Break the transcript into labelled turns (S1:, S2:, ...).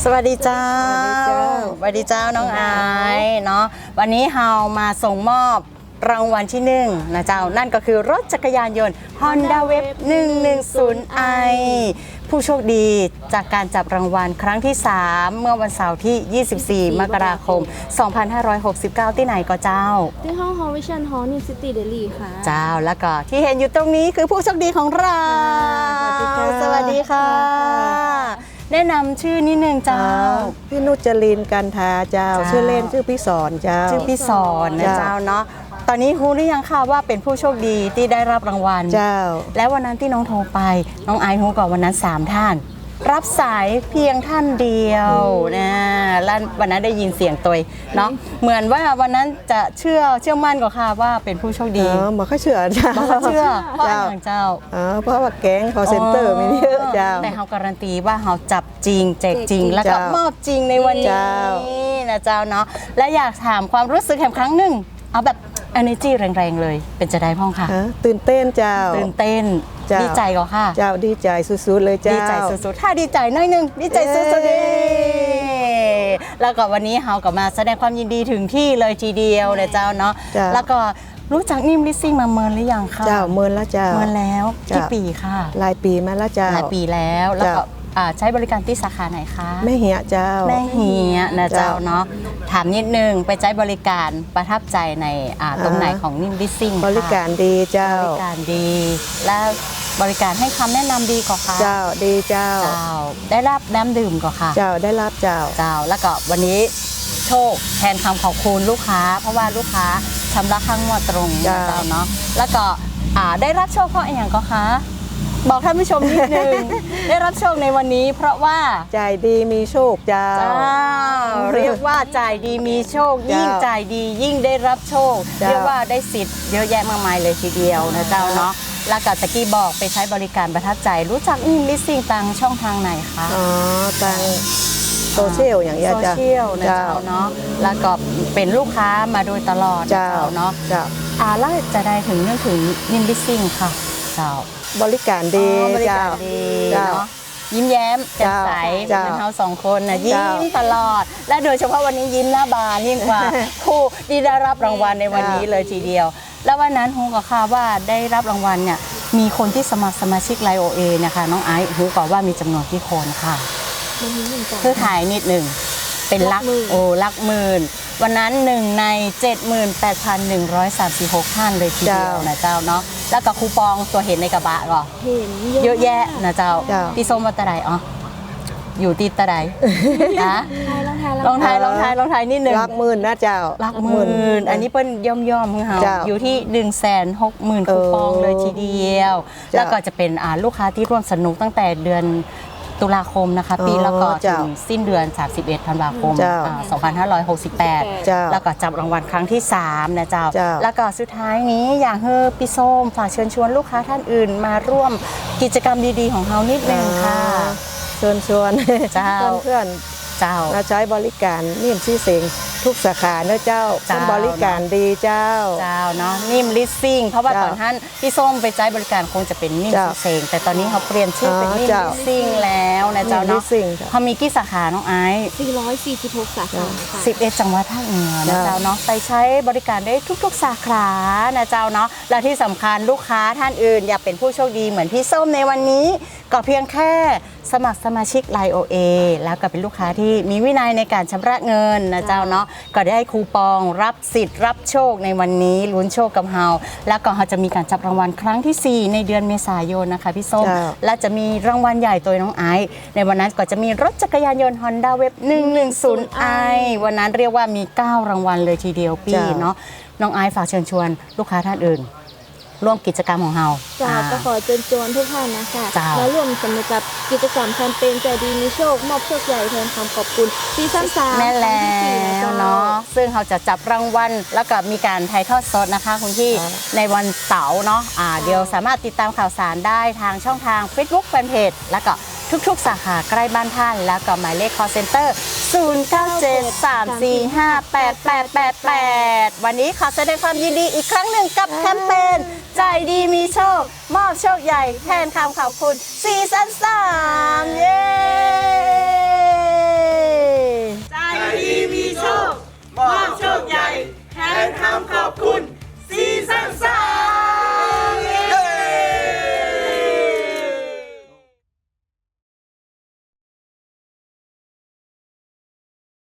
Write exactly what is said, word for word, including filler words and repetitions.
S1: สวัสดีเจ้าสวัสดีเจ้าน้องไอซ์เนาะวันนี้เฮามาส่งมอบรางวัลที่หนึ่งนะเจ้านั่นก็คือรถจักรยานยนต์ Honda Wave หนึ่งหนึ่งศูนย์ ไอ ผู้โชคดีจากการจับรางวัลครั้งที่ สาม เมื่อวันเสาร์ที่ ยี่สิบสี่ มกราคม สองพันห้าร้อยหกสิบเก้า ที่ไหนก็เจ้า
S2: ที่ห้อง Hall Vision Hall New City Delhi ค่ะ
S1: เจ้าแล้วก็ที่เห็นอยู่ตรงนี้คือผู้โชคดีของเราสวัสดีค่ะแนะนำชื่อนิดนึงเจ้า
S3: พี่นุจรินกันทาเจ้าชื่อเล่นชื่อพี่สอนเจ้า
S1: ชื่อพี่สอนนะเจ้าเนาะตอนนี้รู้หรือยังค่ะว่าเป็นผู้โชคดีที่ได้รับรางวัล
S3: เจ้า
S1: แล้ววันนั้นที่น้องโทรไปน้องไอซ์รู้ก่อนวันนั้นสามท่านรับสายเพียงท่านเดียวนะแล้ววันนั้นได้ยินเสียงตัวเนาะเหมือนว่าวันนั้นจะเชื่อเชื่อมั่นกว่าค่ะว่าเป็นผู้โชคดี
S3: อ๋อบอกเขาเชื่อเจ้า
S1: บอกเขาเชื่อเพราะอย่างเจ้า
S3: อ๋อเพราะว่าแก๊งคอเซ็นเตอร์มีเยอะเจ้า
S1: แต่เขาการันตีว่าเขาจับจริงแจกจริงแล้วก็มอบจริงในวันนี้นะเจ้าเนาะและอยากถามความรู้สึกแห่งครั้งหนึ่งเอาแบบ energy แรงๆเลยเป็นจะได้พ้องค่ะ
S3: ตื่นเต้นเจ้า
S1: ตื่นเต้นดีใจก็ค่ะ
S3: เจ้าดีใจสุดๆเลยเจ้า
S1: ดีใจสุดๆถ้าดีใจน้อยนึงดีใจสุดๆแล้วก็วันนี้เฮาก็มาแสดงความยินดีถึงที่เลยทีเดียวเลยเจ้าเนาะแล้วก็รู้จักนิ่มลิสซิ่งมาเมินหรือยังคะ
S3: เจ้าเมินแล้วเจ้า
S1: เมินแล้วกี่ปีค่ะ
S3: หลายปีมาแล้วเจ้า
S1: หลายปีแล้วแล้วก็ใช้บริการที่สาขาไหนคะ
S3: แม่เหียเจ้า
S1: แม่เหียนะเจ้าเนาะถามนิดนึงไปใช้บริการประทับใจในตรงไหนของนิ่มลิสซิ่ง
S3: บริการดีเจ้า
S1: บริการดีและบริการให้คำแนะนำดีก่อค่ะ
S3: เจ้าดีเจ้า
S1: เจ้าได้รับน้ำดื่มก่อค่ะ
S3: เจ้าได้รับเจ้า
S1: เจ้าแล้วก็วันนี้โชคแทนคำขอบคุณลูกค้าเพราะว่าลูกค้าชำระค่างวดตรงเจ้าเนาะแล้วก็ได้รับโชคเพราะอย่างก็คะบอกท่านผู้ชมนิดนึง ได้รับโชคในวันนี้เพราะว่า
S3: จ่ายดีมีโชคเจ้า
S1: เรียกว่าจ่ายดีมีโชคยิ่งจ่ายดียิ่งได้รับโชคเรียกว่าได้สิทธิ์เยอะแยะมากมายเลยทีเดียวนะเจ้าเนาะแล้วก็ตะกี้บอกไปใช้บริการประทับใจรู้จักนิ่มลิสซิ่งทางช่องทางไหนคะ
S3: อ๋อทางโซเชียลอย่างเงี้ย
S1: โซเชียลนะเจ้าเนาะแล้วก็เป็นลูกค้ามาโดยตลอดเจ้าเนาะอ่าแล้วจะได้ถึงเรื่องถึงนิ่มลิสซิ่งค่ะเจ้า
S3: บริการดี
S1: เจ้าเนาะยิ้มแย้มแจ่มใสเหมือนเราสองคนนะยิ้มตลอดและโดยเฉพาะวันนี้ยิ้มหน้าบานยิ่งกว่าผู้ที่ได้รับรางวัลในวันนี้เลยทีเดียวแล้ววันนั้นฮูก็ค่ะว่าได้รับรางวัลเนี่ยมีคนที่สมัครสมาชิกไลโอเอนะคะน้องไอซ์ฮูก็ว่ามีจำนวนที่คนค่ะเพื่อถ่ายนิดหนึ่งเป็นลักโอ้ลักหมื่นวันนั้นหนึ่งใน เจ็ดหมื่นแปดพันหนึ่งร้อยสามสิบหก ท่านเลยทีเดียวนะเจ้าเนาะแล้วก็คูปองตัวเห็นในกระบะก็
S2: เห็น
S1: เยอะแยะนะเจ้าพี่ส้มว่าตะไดอ๋ออยู่ตีตะไดนะลองทายลองทายลองทายนิดนึง
S3: ลักหมื่นนะเจ้า
S1: ลักหมื่นอันนี้เป็นย่อมย่อมของเราอยู่ที่หนึ่งแสนหกหมื่นคูปองเลยทีเดียวแล้วก็จะเป็นลูกค้าที่ร่วมสนุกตั้งแต่เดือนตุลาคมนะคะปีแล้วก็ถึงสิ้นเดือนสามสิบเอ็ดธันวาคมสองพันห้าร้อยหกสิบแปดแล้วก็จับรางวัลครั้งที่สามนะเจ้าแล้วก็สุดท้ายนี้อยากให้พี่ส้มฝากเชิญชวนลูกค้าท่านอื่นมาร่วมกิจกรรมดีๆของเรานิดนึงค่ะ
S3: เชิญชวนเพื่อน
S1: เจ้า
S3: มาใช้บริการนิ่มซีเสงทุกสาขาเนอะเจ้าเป็นบริการดีเจ้า
S1: เจ้าเนาะนิ่มลิสซิ่งเพราะว่าตอนท่านพี่ส้มไปใช้บริการคงจะเป็นนิ่มซีเสงแต่ตอนนี้เขาเปลี่ยนชื่อเป็นนิ่มลิสซิ่งแล้วนะเจ้าเนาะเขามีกี่สาขาน้องไอซ์
S2: สี่ร้อยสี่สิบหกสาขา
S1: สิบเอ็ดจังหวัดภาคเหนือนะเจ้าเนาะไปใช้บริการได้ทุกๆสาขานะเจ้าเนาะและที่สำคัญลูกค้าท่านอื่นอยากเป็นผู้โชคดีเหมือนพี่ส้มในวันนี้ก็เพียงแค่สมัครสมาชิก ไลโอ เอ แล้วก็เป็นลูกค้าที่มีวินัยในการชำระเงินนะเจ้าเนาะก็ได้คูปองรับสิทธิ์รับโชคในวันนี้ลุ้นโชคกับเฮาแล้วก็เขาจะมีการจับรางวัลครั้งที่สี่ในเดือนเมษายนนะคะพี่ส้มและจะมีรางวัลใหญ่ตัวน้องไอซ์ในวันนั้นก็จะมีรถจักรยานยนต์ Honda Wave หนึ่งหนึ่งศูนย์ ไอ วันนั้นเรียกว่ามีเก้ารางวัลเลยทีเดียวพี่เนาะน้องไอซ์ฝากเชิญชวนลูกค้าท่านอื่นร่วมกิจกรรมของเรา
S2: จ้าก็ขอเชิญชวนทุกท่านนะคะมาร่วมสนุกกับกิจกรรมแคมเปญใจดีมีโชคมอบโชคใหญ่แทนคำขอบคุณซีซั่นสาม
S1: แม่แล้วเนาะซึ่งเขาจะจับรางวัลแล้วก็มีการถ่ายทอดสดนะคะคุณพี่ในวันเสาร์เนาะอ่าเดี๋ยวสามารถติดตามข่าวสารได้ทางช่องทาง Facebook Fanpage แล้วก็ทุกๆสาขาใกล้บ้านท่านแล้วก็หมายเลข call center ศูนย์ เก้า เจ็ด สาม สี่ ห้า แปด แปด แปด แปดวันนี้ขอแสดงความยินดีอีกครั้งหนึ่งกับแคมเปญใจดีมีโชคมอบโชคใหญ่แทนคำขอบคุณซีซั่นสามเย้
S4: อบโชคใหญ่แทนคำขอบคุณ